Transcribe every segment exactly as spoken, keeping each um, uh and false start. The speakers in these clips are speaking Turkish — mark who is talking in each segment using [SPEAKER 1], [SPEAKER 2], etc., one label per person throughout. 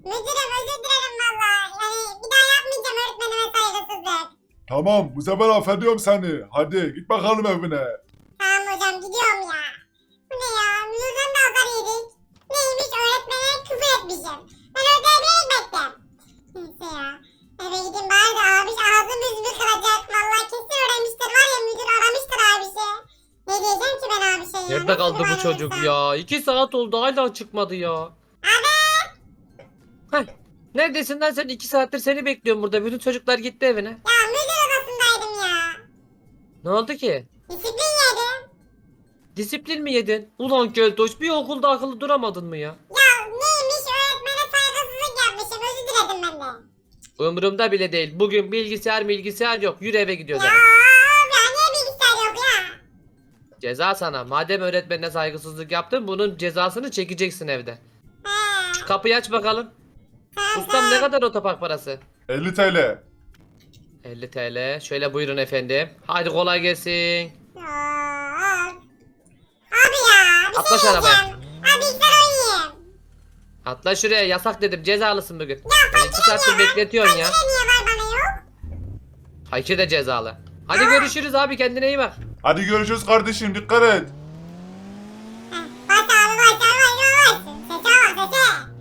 [SPEAKER 1] Müdürüm özür dilerim valla. Yani bir daha yapmayacağım öğretmenime saygısızlık.
[SPEAKER 2] Tamam bu sefer affediyorum seni. Hadi git bakalım evine.
[SPEAKER 1] Tamam hocam gidiyorum ya. Bu ne ya? Müdürden de azar yedik. Neymiş öğretmene küfür etmişim. Ben ödev beklettim. Neyse ya. Eve gideyim bari de abi ağzım yüzümü kıracak. Valla kesin öğrenmiştir var ya müdür aramıştır abisi. Ne diyeceğim ki ben abişe ya?
[SPEAKER 3] Nerede
[SPEAKER 1] Nasıl
[SPEAKER 3] kaldı
[SPEAKER 1] bir
[SPEAKER 3] bu çocuk
[SPEAKER 1] varlıksa?
[SPEAKER 3] ya? İki saat oldu hala çıkmadı ya.
[SPEAKER 1] Abi.
[SPEAKER 3] Heh. Neredesin lan sen? İki saattir seni bekliyorum burada. Bütün çocuklar gitti evine.
[SPEAKER 1] Ya müdür odasındaydım ya.
[SPEAKER 3] Ne oldu ki?
[SPEAKER 1] Disiplin yedim.
[SPEAKER 3] Disiplin mi yedin? Ulan Keltoş bir okulda akıllı duramadın mı ya?
[SPEAKER 1] Ya neymiş öğretmene saygısızlık yapmışım. Özür diledim ben de.
[SPEAKER 3] Umurumda bile değil. Bugün bilgisayar bilgisayar yok. Yürü eve gidiyoruz
[SPEAKER 1] Ya
[SPEAKER 3] hemen.
[SPEAKER 1] ya niye bilgisayar yok ya?
[SPEAKER 3] Ceza sana. Madem öğretmenine saygısızlık yaptın bunun cezasını çekeceksin evde.
[SPEAKER 1] He.
[SPEAKER 3] Şu kapıyı aç bakalım.
[SPEAKER 1] Tamam,
[SPEAKER 3] Ustam ne kadar otopark parası?
[SPEAKER 2] elli TL.
[SPEAKER 3] elli TL. Şöyle buyurun efendim. Hadi kolay gelsin.
[SPEAKER 1] Ya. Abi ya bir
[SPEAKER 3] Atla
[SPEAKER 1] şey
[SPEAKER 3] şu arabaya.
[SPEAKER 1] diyeceğim. Abi bilgisayar oynayayım.
[SPEAKER 3] Atla şuraya yasak dedim cezalısın bugün.
[SPEAKER 1] Ya
[SPEAKER 3] Beni iki saattir bekletiyorsun ya.
[SPEAKER 1] fakire niye var bana yok?
[SPEAKER 3] Hayki de cezalı. Hadi görüşürüz abi kendine iyi bak.
[SPEAKER 2] Hadi görüşürüz kardeşim dikkat et.
[SPEAKER 1] Heh, Bas abi bas abi bas bas. Sese bak sese.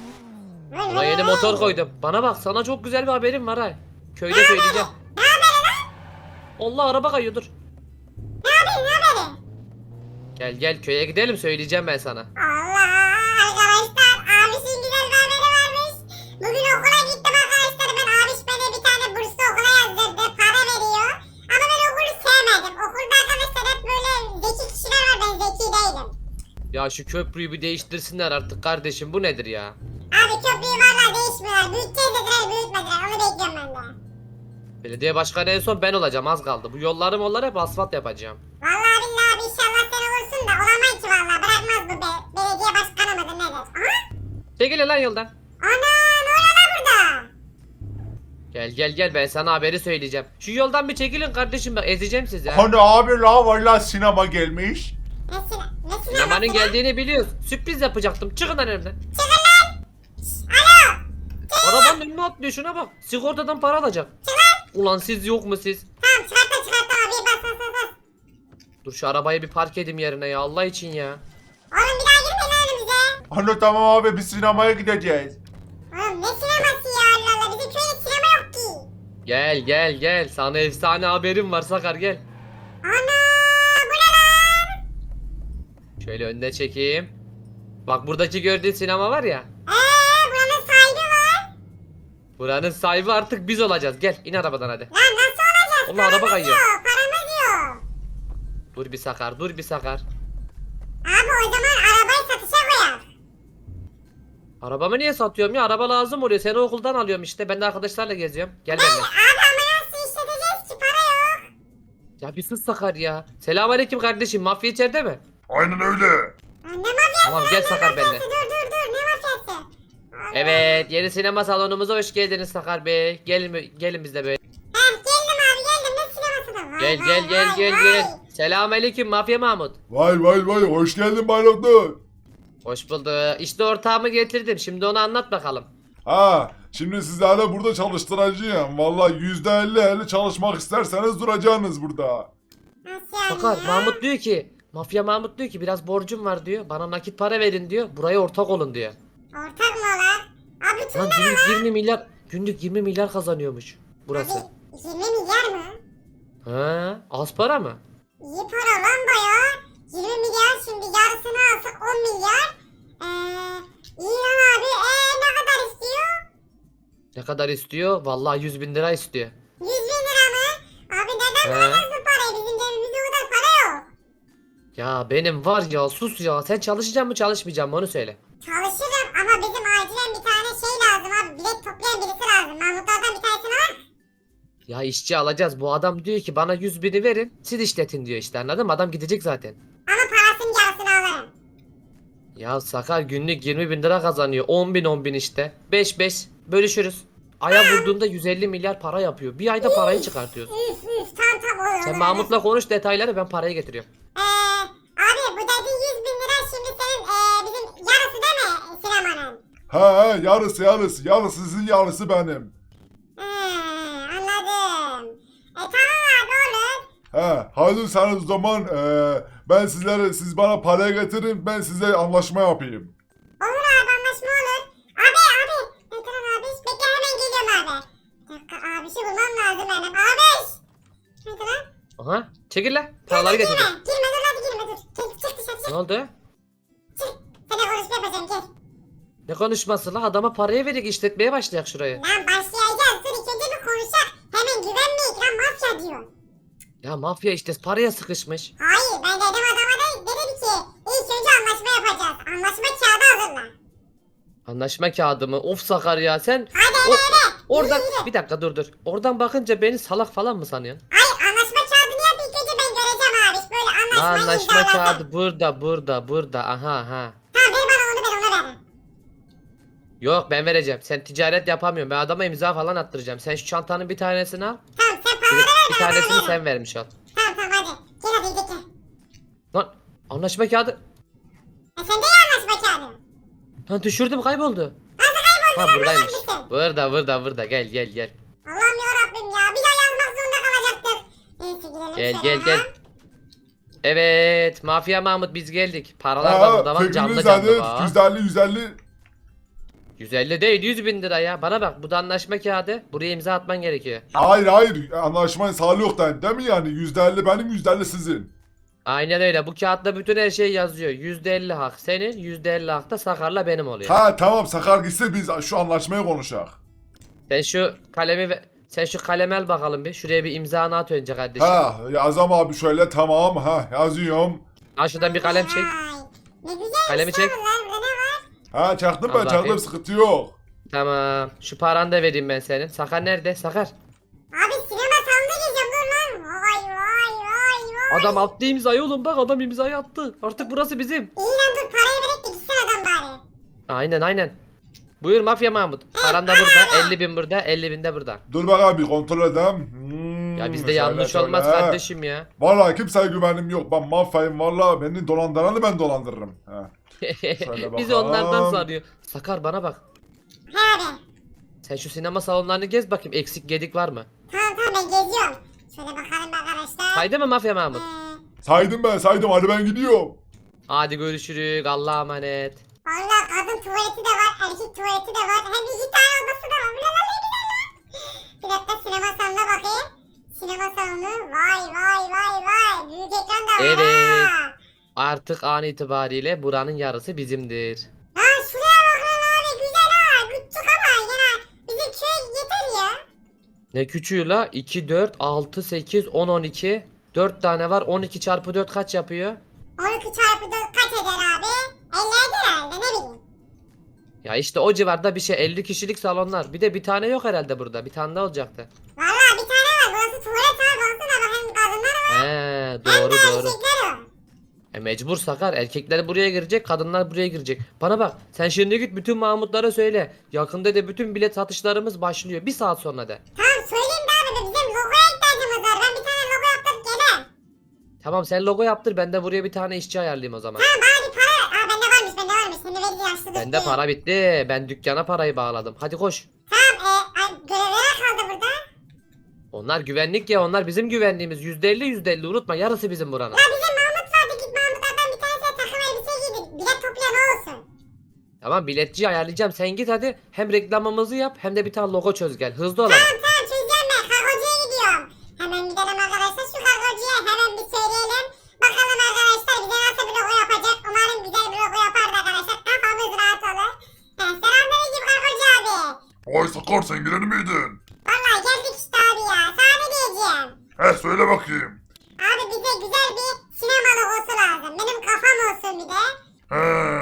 [SPEAKER 1] Vır,
[SPEAKER 3] Buna
[SPEAKER 1] vır,
[SPEAKER 3] yeni
[SPEAKER 1] vır.
[SPEAKER 3] motor koydum. Bana bak sana çok güzel bir haberim var ha. Köyde söyleyeceğim.
[SPEAKER 1] Ne haberi lan?
[SPEAKER 3] Allah araba kayıyor dur.
[SPEAKER 1] Ne haberi ne haberi?
[SPEAKER 3] Gel gel köye gidelim söyleyeceğim ben sana.
[SPEAKER 1] Allah arkadaşlar abişin güzel bir haberi varmış. Bugün okula gittim arkadaşlar ben abiş beni bir tane burslu okula yazdırdı para veriyor. Ama ben okulu sevmedim. Okulda arkadaşlar hep böyle zeki kişiler var ben zeki değilim.
[SPEAKER 3] Ya şu köprüyü bir değiştirsinler artık kardeşim bu nedir ya?
[SPEAKER 1] Abi köprüyü valla değişmiyorlar. Büyüteceğiz dediler büyütmediler onu bekliyorum ben de.
[SPEAKER 3] Belediye başkanı en son ben olacağım az kaldı. Bu yolları molları hep asfalt yapacağım.
[SPEAKER 1] Valla billahi abi inşallah sen olursun da olamayız ki valla bırakmaz bu be. Belediye başkanı mıdır nedir? Aha.
[SPEAKER 3] Çekil lan yoldan.
[SPEAKER 1] Ana ne oluyor lan burada?
[SPEAKER 3] Gel gel gel ben sana haberi söyleyeceğim. Şu yoldan bir çekilin kardeşim bak ezeceğim sizi ha.
[SPEAKER 2] Hani abi la valla sinema gelmiş.
[SPEAKER 1] Ne sine? Ne sineması
[SPEAKER 3] Sinemanın
[SPEAKER 1] lan?
[SPEAKER 3] geldiğini biliyoruz. Sürpriz yapacaktım. Çıkın lan önümden.
[SPEAKER 1] Çıkın lan. Alo.
[SPEAKER 3] Arabanın önüne atlıyor şuna bak. Sigortadan para alacak. Ulan siz yok mu siz?
[SPEAKER 1] Tamam çıkarttım çıkarttım abi bas bas bas bas.
[SPEAKER 3] Dur şu arabayı bir park edeyim yerine ya Allah için ya.
[SPEAKER 1] Oğlum bir daha girmeyin lan önümüze.
[SPEAKER 2] Hani tamam abi biz sinemaya gideceğiz.
[SPEAKER 1] Oğlum ne sineması ya Allah Allah bizim köyde sinema yok ki.
[SPEAKER 3] Gel gel gel sana efsane haberim var Sakar gel.
[SPEAKER 1] Ana bu ne lan?
[SPEAKER 3] Şöyle önüne çekeyim. Bak buradaki gördüğün sinema var ya.
[SPEAKER 1] Eee buranın sahibi var.
[SPEAKER 3] Buranın sahibi artık biz olacağız. Gel in arabadan hadi.
[SPEAKER 1] Lan nasıl olacağız?
[SPEAKER 3] Allah, araba
[SPEAKER 1] Paramız
[SPEAKER 3] kayıyor.
[SPEAKER 1] yok, paramız yok.
[SPEAKER 3] Dur bir Sakar dur bir Sakar.
[SPEAKER 1] Abi o zaman arabayı satışa koyar.
[SPEAKER 3] Arabamı niye satıyorum ya? Araba lazım oluyor. Seni okuldan alıyorum işte. Ben de arkadaşlarla geziyorum. Gel benimle.
[SPEAKER 1] Abi ama nasıl işleteceğiz ki para yok.
[SPEAKER 3] Ya bir sus Sakar ya. Selamünaleyküm kardeşim. Mafya içeride mi?
[SPEAKER 2] Aynen öyle.
[SPEAKER 1] Lan ne mafyası?
[SPEAKER 3] Tamam, gel
[SPEAKER 1] ne
[SPEAKER 3] Sakar
[SPEAKER 1] mafyası?
[SPEAKER 3] benimle.
[SPEAKER 1] Dur dur dur ne mafyası? Allah.
[SPEAKER 3] Evet, yeni sinema salonumuza hoş geldiniz Sakar Bey. Gelin gelin bizle böyle.
[SPEAKER 1] Heh geldim abi geldim ne sineması da vay
[SPEAKER 3] Gel
[SPEAKER 1] vay,
[SPEAKER 3] gel gel
[SPEAKER 1] vay,
[SPEAKER 3] gel
[SPEAKER 1] vay.
[SPEAKER 3] gel. Selamünaleyküm Mafya Mahmut.
[SPEAKER 2] Vay vay vay hoş geldin Bay Doktor.
[SPEAKER 3] Hoş bulduk. İşte ortağımı getirdim. Şimdi onu anlat bakalım.
[SPEAKER 2] Ha şimdi sizlerle burada çalıştıracağım. Valla yüzde elli elli çalışmak isterseniz duracaksınız burada.
[SPEAKER 1] Nasıl yani
[SPEAKER 3] Sakar
[SPEAKER 1] ya?
[SPEAKER 3] Mahmut diyor ki Mafya Mahmut diyor ki biraz borcum var diyor. Bana nakit para verin diyor. Buraya ortak olun diyor.
[SPEAKER 1] Ortak mı ola? Abi tüm
[SPEAKER 3] Lan günlük yirmi milyar günlük yirmi milyar kazanıyormuş burası.
[SPEAKER 1] Abi yirmi milyar mı?
[SPEAKER 3] Ha, az para mı?
[SPEAKER 1] İyi para lan baya. yirmi milyar şimdi yarısını alsak on milyar. Eee iyi lan abi. Eee ne kadar istiyor?
[SPEAKER 3] Ne kadar istiyor? Vallahi yüz bin lira istiyor.
[SPEAKER 1] yüz bin lira mı? Abi neden
[SPEAKER 3] He.
[SPEAKER 1] bulacağız bu parayı? Bizim cebimizde o kadar para yok.
[SPEAKER 3] Ya benim var ya sus ya. Sen çalışacak mı çalışmayacak mı onu söyle.
[SPEAKER 1] Çalışırım ama bizim acilen bir tane şey lazım abi. Bilet toplayan birisi lazım. Mahmutlardan bir tanesini var.
[SPEAKER 3] Ya işçi alacağız. Bu adam diyor ki bana yüz bini verin. Siz işletin diyor işte anladın mı? Adam gidecek zaten.
[SPEAKER 1] Ama parasının yarısını alırım.
[SPEAKER 3] Ya Sakar günlük yirmi bin lira kazanıyor. on bin on bin işte. beş beş bölüşürüz. Aya vurduğunda yüz elli milyar para yapıyor. Bir ayda parayı çıkartıyoruz.
[SPEAKER 1] Üf üf tam tam olur.
[SPEAKER 3] Sen
[SPEAKER 1] olur,
[SPEAKER 3] Mahmut'la konuş detayları ben parayı getiriyorum.
[SPEAKER 1] Eee abi bu dediğin yüz bin lira şimdi senin eee bizim yarısı değil mi sinemanın?
[SPEAKER 2] He he yarısı yarısı. Yarısı sizin yarısı benim.
[SPEAKER 1] He, anladım. E tamam abi olur.
[SPEAKER 2] He hazırsanız o zaman eee, ben sizlere siz bana para getirin ben size anlaşma yapayım.
[SPEAKER 1] Olur abi anlaşma olur. Abi abi. Ne tamam abi. Bekle hemen geliyorum abi. Bir dakika abişi bulmam lazım benim. Abiş. Ne tamam?
[SPEAKER 3] Aha çekil lan. Paraları
[SPEAKER 1] Girme.
[SPEAKER 3] getir.
[SPEAKER 1] Girme dur hadi girme dur. Gel çık dışarı çık.
[SPEAKER 3] Ne oldu?
[SPEAKER 1] Sana konuşma yapacağım gel.
[SPEAKER 3] Ne konuşması la? Adama parayı verdik işletmeye başlayak şurayı.
[SPEAKER 1] Lan başlayacağız. Dur ilk önce bir konuşak. Hemen güvenmeyik lan mafya diyor.
[SPEAKER 3] Ya mafya işte paraya sıkışmış.
[SPEAKER 1] Hayır ben dedim adama da dedim ki ilk önce anlaşma yapacağız. Anlaşma kağıdı hazırla.
[SPEAKER 3] Anlaşma kağıdı mı? Of Sakar ya sen.
[SPEAKER 1] Hadi
[SPEAKER 3] O-
[SPEAKER 1] hadi hadi.
[SPEAKER 3] Oradan
[SPEAKER 1] Yürü, yürü.
[SPEAKER 3] bir dakika dur dur. Oradan bakınca beni salak falan mı sanıyorsun?
[SPEAKER 1] Hayır anlaşma kağıdını yap ilk önce ben göreceğim abi. Böyle
[SPEAKER 3] La
[SPEAKER 1] anlaşmayı
[SPEAKER 3] anlaşma
[SPEAKER 1] imzalasın.
[SPEAKER 3] kağıdı burada burada burada aha ha.
[SPEAKER 1] Tamam ver bana onu ben ona veririm.
[SPEAKER 3] Yok ben vereceğim. Sen ticaret yapamıyorsun. Ben adama imza falan attıracağım. Sen şu çantanın bir tanesini al.
[SPEAKER 1] Tamam sen
[SPEAKER 3] Bir,
[SPEAKER 1] paraları ver
[SPEAKER 3] bir
[SPEAKER 1] ben ona
[SPEAKER 3] tanesini
[SPEAKER 1] veririm.
[SPEAKER 3] sen vermiş ol.
[SPEAKER 1] Tamam tamam hadi. Gel hadi gel gel.
[SPEAKER 3] Lan anlaşma kağıdı.
[SPEAKER 1] E sen de ya anlaşma kağıdı.
[SPEAKER 3] Lan düşürdüm kayboldu.
[SPEAKER 1] Nasıl kayboldu
[SPEAKER 3] Ha
[SPEAKER 1] lan
[SPEAKER 3] buradaymış.
[SPEAKER 1] buraya mısın?
[SPEAKER 3] Burada burada burada gel gel gel.
[SPEAKER 1] Allah'ım yarabbim ya. Bir daha yazmak zorunda kalacaktık. Neyse gidelim
[SPEAKER 3] Gel
[SPEAKER 1] şöyle
[SPEAKER 3] gel gel.
[SPEAKER 1] ha.
[SPEAKER 3] Evet Mafya Mahmut biz geldik. Paralar da
[SPEAKER 2] Ha
[SPEAKER 3] burada var canlı
[SPEAKER 2] fikriniz
[SPEAKER 3] canlı
[SPEAKER 2] hadi
[SPEAKER 3] var.
[SPEAKER 2] yüz elli yüz elli.
[SPEAKER 3] yüz elli değil yüz bin lira ya. Bana bak bu da anlaşma kağıdı. Buraya imza atman gerekiyor.
[SPEAKER 2] Hayır hayır anlaşmayı sağlıyor da değil mi yani yüzde elli benim yüzde elli sizin.
[SPEAKER 3] Aynen öyle. Bu kağıtta bütün her şey yazıyor. yüzde elli hak senin, yüzde elli hak da Sakar'la benim oluyor.
[SPEAKER 2] Ha tamam Sakar gitse biz şu anlaşmayı konuşak.
[SPEAKER 3] Sen şu kalemi ve sen şu kalemi al bakalım bir. Şuraya bir imzanı at önce kardeşim.
[SPEAKER 2] Ha yazam abi şöyle tamam ha yazıyorum.
[SPEAKER 3] Al şuradan bir kalem çek.
[SPEAKER 1] Vay, Ne güzelmiş
[SPEAKER 3] Kalemi çek.
[SPEAKER 1] lan bunlar. Burada ne var?
[SPEAKER 2] Ha çaktım
[SPEAKER 3] Al
[SPEAKER 2] ben çaktım
[SPEAKER 3] bakayım.
[SPEAKER 2] sıkıntı yok.
[SPEAKER 3] Tamam. Şu paranı da vereyim ben senin. Sakar nerede? Sakar.
[SPEAKER 1] Abi sinema salonuna gireceğim dur lan. Vay vay vay vay.
[SPEAKER 3] Adam attı imzayı oğlum bak adam imzayı attı. Artık burası bizim.
[SPEAKER 1] İyi lan dur parayı verip de gitsin adam bari.
[SPEAKER 3] Aynen aynen. Buyur Mafya Mahmut. Paran da burada. elli bin burada. elli bin de burada.
[SPEAKER 2] Dur bakalım bir kontrol edeyim. Hmm,
[SPEAKER 3] Ya bizde
[SPEAKER 2] şöyle,
[SPEAKER 3] yanlış
[SPEAKER 2] şöyle.
[SPEAKER 3] olmaz kardeşim ya.
[SPEAKER 2] Vallahi kimseye güvenim yok. Ben mafyayım vallahi beni dolandıranı ben dolandırırım. Ha. Şöyle
[SPEAKER 3] Bizi
[SPEAKER 2] bakalım.
[SPEAKER 3] onlardan sanıyor. Sakar bana bak.
[SPEAKER 1] He abi.
[SPEAKER 3] Sen şu sinema salonlarını gez bakayım. Eksik gedik var mı?
[SPEAKER 1] Tamam tamam ben geziyorum. Şöyle bakalım arkadaşlar.
[SPEAKER 3] Saydı mı Mafya Mahmut?
[SPEAKER 1] Ee,
[SPEAKER 2] Saydım ben saydım hadi ben gidiyorum.
[SPEAKER 3] Hadi görüşürüz. Allah'a emanet.
[SPEAKER 1] Valla kadın tuvaleti de var, erkek tuvaleti de var. Hem iki tane odası da var. Ulan ne güzel lan. Bir dakika sinema salonuna bakayım. Sinema salonu. Vay vay vay vay. Büyük ekran da var.
[SPEAKER 3] Evet.
[SPEAKER 1] ha.
[SPEAKER 3] Artık an itibariyle buranın yarısı bizimdir.
[SPEAKER 1] Ha şuraya bak lan abi. Güzel ha. Küçük ama yine bizim köy yeter ya.
[SPEAKER 3] Ne küçüğü la? iki, dört, altı, sekiz, on, on iki. dört tane var. on iki çarpı dört kaç yapıyor?
[SPEAKER 1] on iki çarpı dört kaç eder abi? elli eder herhalde ne bileyim.
[SPEAKER 3] Ya işte o civarda bir şey. elli kişilik salonlar. Bir de bir tane yok herhalde burada. Bir tane de olacaktı.
[SPEAKER 1] Valla bir tane var. Burası tuvalet abi. Baksana bak hem kadınlar var
[SPEAKER 3] He
[SPEAKER 1] hem
[SPEAKER 3] doğru
[SPEAKER 1] de
[SPEAKER 3] doğru.
[SPEAKER 1] erkekler var.
[SPEAKER 3] E mecbur Sakar. Erkekler buraya girecek, kadınlar buraya girecek. Bana bak, sen şimdi git bütün Mahmutlara söyle. Yakında da bütün bilet satışlarımız başlıyor. Bir saat sonra de.
[SPEAKER 1] Tamam söyleyeyim de abi bizim logoya ihtiyacımız var. Ben bir tane logo yaptırıp geleyim.
[SPEAKER 3] Tamam sen logo yaptır, ben de buraya bir tane işçi ayarlayayım o zaman.
[SPEAKER 1] Tamam bana bir para. Aa bende varmış bende varmış. Seni verdi yaşlı
[SPEAKER 3] Bende
[SPEAKER 1] düştü.
[SPEAKER 3] para bitti. Ben dükkana parayı bağladım. Hadi koş.
[SPEAKER 1] Tamam e, a, görevlere kaldı burada.
[SPEAKER 3] Onlar güvenlik ya, onlar bizim güvenliğimiz. yüzde elli yüzde elli unutma, yarısı bizim buranın.
[SPEAKER 1] Ya bizim Mahmut vardı git Mahmutlardan bir tanesine takım elbise giydi. Bilet toplayan o olsun.
[SPEAKER 3] Tamam biletçi ayarlayacağım, sen git hadi. Hem reklamımızı yap hem de bir tane logo çöz gel. Hızlı ol ama.
[SPEAKER 1] Tamam tamam çözeceğim ben. Kargocuya gidiyorum. Hemen gidelim arkadaşlar şu kargocuya hemen bir söyleyelim. Bakalım arkadaşlar bize nasıl bir logo yapacak. Umarım güzel bir logo yapar da arkadaşlar. Kafamız rahat olur. He, selamünaleyküm kargocu abi.
[SPEAKER 2] Vay Sakar sen girer miydin?
[SPEAKER 1] Vallahi geldik işte abi ya. Sana ne diyeceğim?
[SPEAKER 2] He söyle bakayım.
[SPEAKER 1] Abi bize güzel bir sinema logosu lazım. Benim kafam olsun bir de.
[SPEAKER 2] He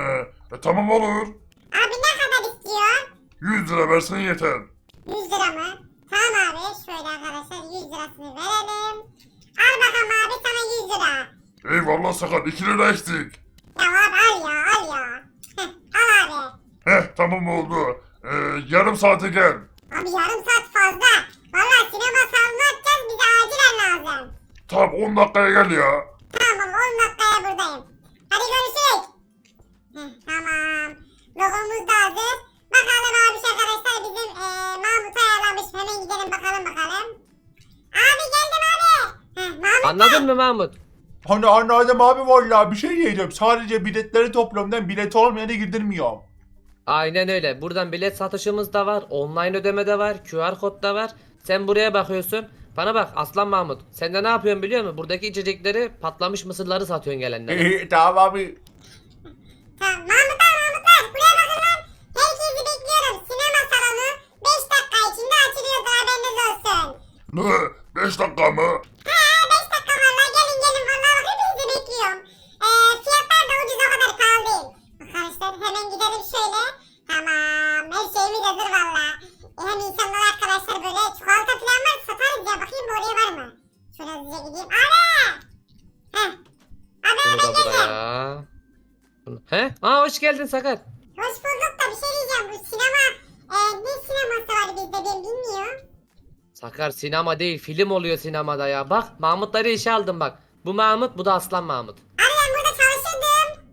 [SPEAKER 2] e, tamam olur.
[SPEAKER 1] Abi ne kadar istiyor?
[SPEAKER 2] yüz lira versen yeter.
[SPEAKER 1] yüz lira mı? Tamam abi. Şöyle arkadaşlar yüz lirasını verelim. Al bakalım abi sana yüz lira.
[SPEAKER 2] Eyvallah Sakar iki lira eksik.
[SPEAKER 1] Ya abi al ya al ya. Heh, al abi.
[SPEAKER 2] Heh tamam oldu. Ee, yarım saate gel.
[SPEAKER 1] Abi yarım saat fazla. Valla sinema salonu açacağız bize acilen lazım.
[SPEAKER 2] Tamam on dakikaya gel ya.
[SPEAKER 1] Tamam on dakikaya buradayım. Hadi görüşürüz. Heh, tamam. Logomuz da hazır. Bakalım abi arkadaşlar bizim eee Mahmut ayarlamış. Hemen gidelim bakalım bakalım. Abi geldim abi. Heh, Mahmut.
[SPEAKER 3] Anladın mı Mahmut?
[SPEAKER 2] Hani anladım abi vallahi bir şey diyeceğim. Sadece biletleri toplamdan bilet olmayanı girdirmiyorum.
[SPEAKER 3] Aynen öyle. Buradan bilet satışımız da var. Online ödeme de var. Q R kod da var. Sen buraya bakıyorsun. Bana bak Aslan Mahmut. Sen de ne yapıyorsun biliyor musun? Buradaki içecekleri, patlamış mısırları satıyorsun gelenlere.
[SPEAKER 2] İyi tamam abi.
[SPEAKER 1] Tamam Mahmutlar Mahmutlar. Buraya bakın lan. Herkesi bekliyorum. Sinema salonu beş dakika içinde açılıyordur haberiniz olsun.
[SPEAKER 2] Ne? beş dakika mı?
[SPEAKER 1] Ha beş dakika valla gelin gelin valla bak hepinizi bekliyorum. Ee, fiyatlar da ucuz o kadar pahalı değil. Arkadaşlar hemen gidelim şöyle. Tamam her şeyimiz hazır valla. E, hem insanlar arkadaşlar böyle çikolata falan var satarız ya bakayım bu oraya var mı? Şöyle hızlıca gideyim. Abi! Heh. Abi
[SPEAKER 3] Bunu
[SPEAKER 1] hemen
[SPEAKER 3] da
[SPEAKER 1] geldim.
[SPEAKER 3] buraya. Bunu- He? Aa hoş geldin Sakar.
[SPEAKER 1] Hoş bulduk da bir şey diyeceğim bu sinema. E, ne sineması var bizde ben bilmiyorum.
[SPEAKER 3] Sakar sinema değil film oluyor sinemada ya. Bak Mahmutları işe aldım bak. Bu Mahmut bu da Aslan Mahmut.
[SPEAKER 1] Abi ben burada çalışırdım.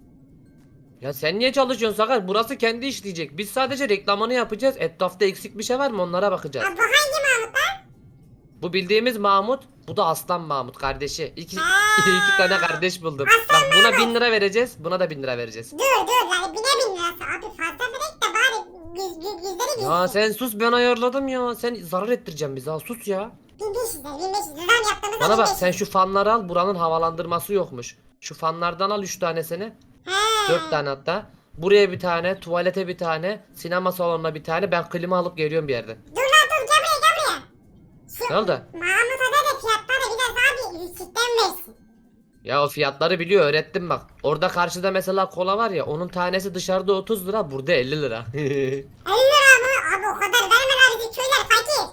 [SPEAKER 3] Ya sen niye çalışıyorsun Sakar? Burası kendi işleyecek. Biz sadece reklamını yapacağız. Etrafta eksik bir şey var mı onlara bakacağız.
[SPEAKER 1] Ha, bu hangi Mahmut lan?
[SPEAKER 3] Bu bildiğimiz Mahmut, bu da Aslan Mahmut kardeşi. İki,
[SPEAKER 1] Ha.
[SPEAKER 3] iki tane kardeş buldum.
[SPEAKER 1] Aslan
[SPEAKER 3] Bak buna
[SPEAKER 1] Mahmut.
[SPEAKER 3] bin lira vereceğiz, buna da bin lira vereceğiz.
[SPEAKER 1] Dur dur yani bine bin lirası. Abi fazla verek de bari yüz, yüz, yüzleri bilsin.
[SPEAKER 3] Ya sen sus ben ayarladım ya. Sen zarar ettireceğim bizi ha sus ya.
[SPEAKER 1] bin beş yüz lira bin beş yüz lira zam yaptığımızda
[SPEAKER 3] Bana bak
[SPEAKER 1] bin beş yüz.
[SPEAKER 3] sen şu fanları al, buranın havalandırması yokmuş. Şu fanlardan al üç tanesini.
[SPEAKER 1] He.
[SPEAKER 3] dört tane hatta. Buraya bir tane, tuvalete bir tane, sinema salonuna bir tane. Ben klima alıp geliyorum bir yerden.
[SPEAKER 1] Dur lan dur gel buraya gel buraya. Şu
[SPEAKER 3] Ne oldu?
[SPEAKER 1] Mahmut Ada da fiyatları biraz abi yüksekten versin.
[SPEAKER 3] Ya o fiyatları biliyor öğrettim bak. Orada karşıda mesela kola var ya onun tanesi dışarıda otuz lira burada elli lira.
[SPEAKER 1] elli lira mı? Abi o kadar verme lan bizim köyler fakir.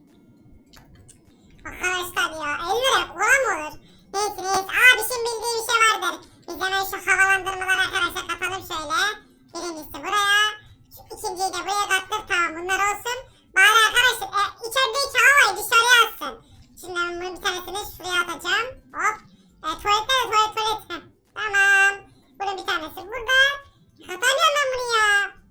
[SPEAKER 1] Arkadaşlar ya elli lira kola mı olur? Neyse neyse abi şimdi bildiği bir şey vardır. Biz hemen şu havalandırmaları arkadaşlar katalım şöyle. Birincisi buraya. Şu ikinciyi de buraya kattık tamam bunlar olsun. Bari arkadaşlar e, içerideki havayı dışarıya atsın. Şimdi ben bunun bir tanesini şuraya atacağım. Hop. E, tuvalette de tuvalet tuvalet. Heh, tamam. Bunun bir tanesi burada. Katamıyorum ben bunu ya.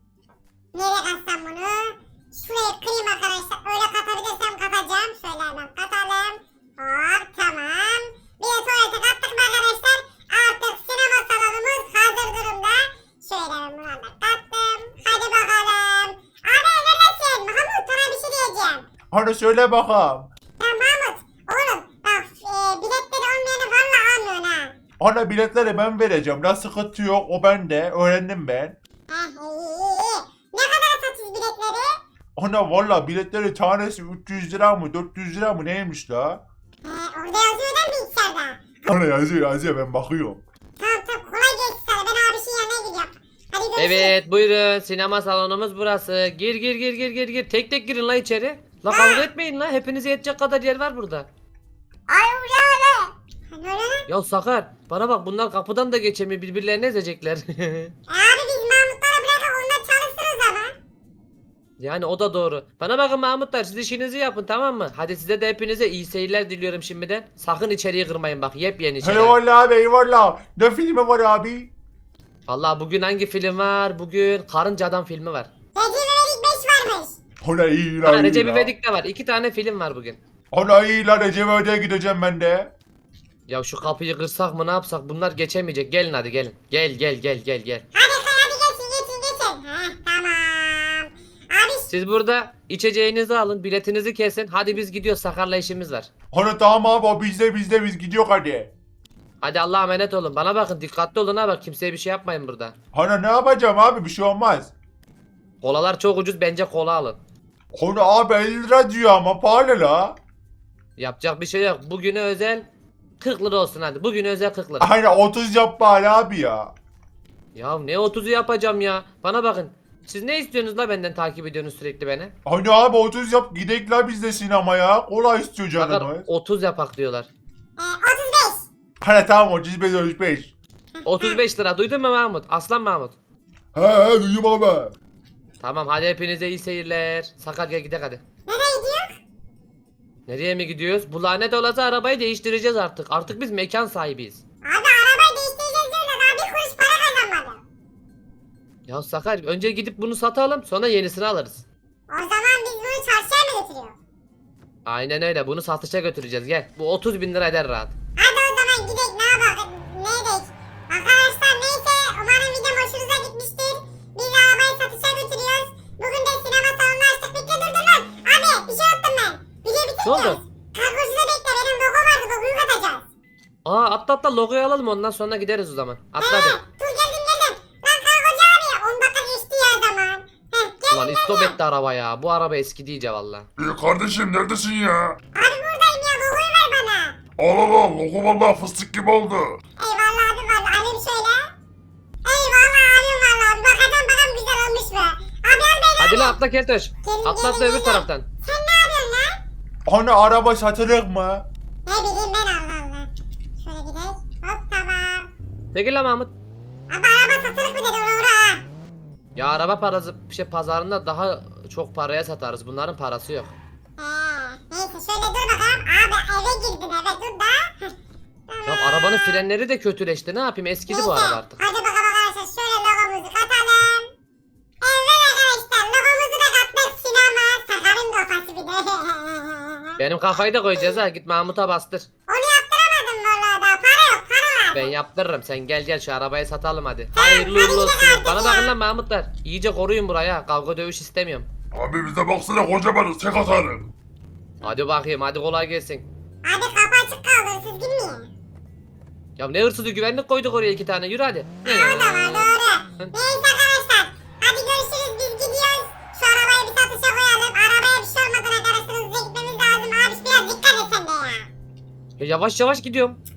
[SPEAKER 1] Nereye katsam bunu? Şuraya kırayım arkadaşlar. Öyle katabilirsem katacağım. Şöyle hemen katalım. Hop tamam. Bir de tuvalete kattık mı arkadaşlar? Artık sinema salonumuz hazır durumda. Şöyle ben bunu da kattım. Hadi bakalım. Abi neredesin? Mahmut sana bir şey diyeceğim.
[SPEAKER 2] Hani söyle bakalım.
[SPEAKER 1] Ya Mahmut oğlum bak e, biletleri olmayanı valla almıyorsun ha.
[SPEAKER 2] Ana biletleri ben vereceğim. La sıkıntı yok. O bende. Öğrendim ben.
[SPEAKER 1] Heh iyi iyi iyi. Ne kadar satıyoruz biletleri?
[SPEAKER 2] Ana valla biletleri tanesi üç yüz lira mı dört yüz lira mı neymiş la?
[SPEAKER 1] He orada yazıyor da bilgisayarda.
[SPEAKER 2] Ana yazıyor yazıyor ben bakıyorum.
[SPEAKER 1] Tamam tamam kolay gelsin sana ben abişin yanına gidiyorum. Hadi görüşürüz.
[SPEAKER 3] Evet buyurun sinema salonumuz burası. Gir gir gir gir gir gir. Tek tek girin la içeri. La kavga etmeyin la. Hepinize yetecek kadar yer var burada.
[SPEAKER 1] Ay ula be. Ha, ne oluyor lan?
[SPEAKER 3] Ya Sakar bana bak bunlar kapıdan da geçemiyor birbirlerini ezecekler.
[SPEAKER 1] E, abi biz Mahmutlara bırakıp onlar çalışsın o zaman.
[SPEAKER 3] Yani o da doğru. Bana bakın Mahmutlar siz işinizi yapın tamam mı? Hadi size de hepinize iyi seyirler diliyorum şimdiden. Sakın içeriği kırmayın bak yepyeni şeyler.
[SPEAKER 2] Eyvallah abi eyvallah. Ne filmi var abi?
[SPEAKER 3] Vallahi bugün hangi film var? Bugün Karınca Adam filmi var.
[SPEAKER 1] Recep İvedik beş varmış.
[SPEAKER 2] Ana iyi la
[SPEAKER 3] Ha,
[SPEAKER 2] iyi
[SPEAKER 3] Recep
[SPEAKER 2] la.
[SPEAKER 3] İvedik de var. İki tane film var bugün.
[SPEAKER 2] Ana iyi la Recep İvedik'e gideceğim ben de.
[SPEAKER 3] Ya şu kapıyı kırsak mı ne yapsak bunlar geçemeyecek. Gelin hadi gelin. Gel gel gel gel gel.
[SPEAKER 1] Hadi kay hadi geçin geçin geçin. Ha tamam. Abi
[SPEAKER 3] Siz burada içeceğinizi alın, biletinizi kesin. Hadi biz gidiyoruz. Sakar'la işimiz var.
[SPEAKER 2] Ana tamam abi o bizde bizde biz gidiyor hadi.
[SPEAKER 3] Hadi Allah'a emanet olun. Bana bakın dikkatli olun ha bak kimseye bir şey yapmayın burada.
[SPEAKER 2] Ana ne yapacağım abi bir şey olmaz.
[SPEAKER 3] Kolalar çok ucuz bence kola alın.
[SPEAKER 2] Ana abi elli lira diyor ama pahalı la.
[SPEAKER 3] Yapacak bir şey yok. Bugüne özel kırk lira olsun hadi. Bugüne özel kırk lira.
[SPEAKER 2] Aynen otuz yap bari abi ya.
[SPEAKER 3] Ya ne otuzu yapacağım ya. Bana bakın. Siz ne istiyorsunuz la benden takip ediyorsunuz sürekli beni?
[SPEAKER 2] Hani abi otuz yap gidek la biz de sinemaya. Kolay istiyor
[SPEAKER 3] Sakar
[SPEAKER 2] canımız.
[SPEAKER 3] otuz yapak diyorlar.
[SPEAKER 1] e, otuz beş.
[SPEAKER 2] Hani tamam otuz beş otuz beş.
[SPEAKER 3] otuz beş lira duydun mu Mahmut? Aslan Mahmut.
[SPEAKER 2] He he duyuyorum abi.
[SPEAKER 3] Tamam hadi hepinize iyi seyirler. Sakar gel gidelim hadi.
[SPEAKER 1] Nereye gidiyor?
[SPEAKER 3] Nereye mi gidiyoruz? Bu lanet olası arabayı değiştireceğiz artık. Artık biz mekan sahibiyiz.
[SPEAKER 1] Abi arabayı değiştireceğiz diyorlar daha bir kuruş para kazanmadım.
[SPEAKER 3] Ya Sakar önce gidip bunu satalım sonra yenisini alırız.
[SPEAKER 1] O zaman biz bunu çarşıya mı götürüyoruz?
[SPEAKER 3] Aynen öyle bunu satışa götüreceğiz gel. Bu otuz bin lira eder rahat.
[SPEAKER 1] Hadi o zaman gidelim ne yapalım? Ne edelim? Arkadaşlar neyse umarım videom hoşunuza gitmiştir. Biz arabayı satışa götürüyoruz. Bugün de sinema salonunu açtık. Bekle dur dur lan. Abi bir şey yaptım ben. Video bitireceğiz.
[SPEAKER 3] Ne oldu?
[SPEAKER 1] Kargocuda bekle benim logo vardı logoyu katacağız.
[SPEAKER 3] Aa atla atla logoyu alalım ondan sonra gideriz o zaman. Atla
[SPEAKER 1] He,
[SPEAKER 3] hadi.
[SPEAKER 1] dur geldim geldim. Lan kargocu abi on dakika geçti ya zaman. Heh geldim
[SPEAKER 3] Ulan
[SPEAKER 1] geldim.
[SPEAKER 3] istop etti araba ya. Bu araba eski iyice valla.
[SPEAKER 2] İyi kardeşim neredesin ya?
[SPEAKER 1] Abi buradayım ya logoyu ver bana.
[SPEAKER 2] Al al al logo vallahi fıstık gibi oldu.
[SPEAKER 1] Eyvallah abi valla alayım şöyle. Eyvallah abim valla abi bakacağım bakalım güzel olmuş mu? Abi al beni.
[SPEAKER 3] Hadi lan atla Keltoş.
[SPEAKER 1] Gelin,
[SPEAKER 3] Atla
[SPEAKER 1] gelin,
[SPEAKER 3] atla öbür
[SPEAKER 1] gelin.
[SPEAKER 3] taraftan.
[SPEAKER 1] Sen ne yapıyorsun lan?
[SPEAKER 2] Hani araba satılır mı?
[SPEAKER 1] Ne bileyim ben Allah Allah. Şöyle gidelim. Hop tamam.
[SPEAKER 3] Çekil lan Mahmut.
[SPEAKER 1] Abi araba satılık mı dedi ona uğra ha.
[SPEAKER 3] Ya araba parası şey pazarında daha çok paraya satarız. Bunların parası yok.
[SPEAKER 1] He, neyse şöyle dur bakalım. Abi eve girdin eve dur da. Heh,
[SPEAKER 3] Ya
[SPEAKER 1] tamam.
[SPEAKER 3] arabanın frenleri de kötüleşti. Ne yapayım? Eskidi bu
[SPEAKER 1] Neyse,
[SPEAKER 3] araba artık.
[SPEAKER 1] hadi bakalım arkadaşlar şöyle logomuzu katalım. Evet arkadaşlar logomuzu da kattık sinema. Sakarın kafası bir de.
[SPEAKER 3] Benim kafayı da koyacağız ha. Git Mahmut'a bastır.
[SPEAKER 1] Onu yaptıramadım valla daha para yok para lazım.
[SPEAKER 3] Ben yaptırırım. Sen gel gel şu arabayı satalım hadi. Hayırlı
[SPEAKER 1] hadi
[SPEAKER 3] uğurlu olsun.
[SPEAKER 1] gidelim artık
[SPEAKER 3] Bana
[SPEAKER 1] ya.
[SPEAKER 3] bakın lan Mahmutlar. İyice koruyun buraya. Kavga dövüş istemiyorum.
[SPEAKER 2] Abi bize baksana kocamanız tek atarım.
[SPEAKER 3] Hadi bakayım. Hadi kolay gelsin.
[SPEAKER 1] Abi kapı açık kaldı siz girmeyin.
[SPEAKER 3] Ya ne hırsızı güvenlik koyduk oraya iki tane. Yürü hadi.
[SPEAKER 1] O da var doğru. Neyse arkadaşlar. Hadi görüşürüz biz gidiyoruz. Şu arabayı bir satışa koyalım. Arabaya bir şey olmadan arkadaşlar hızlıca gitmemiz lazım. Abi biraz dikkat et sen de ya.
[SPEAKER 3] Ya yavaş yavaş gidiyorum.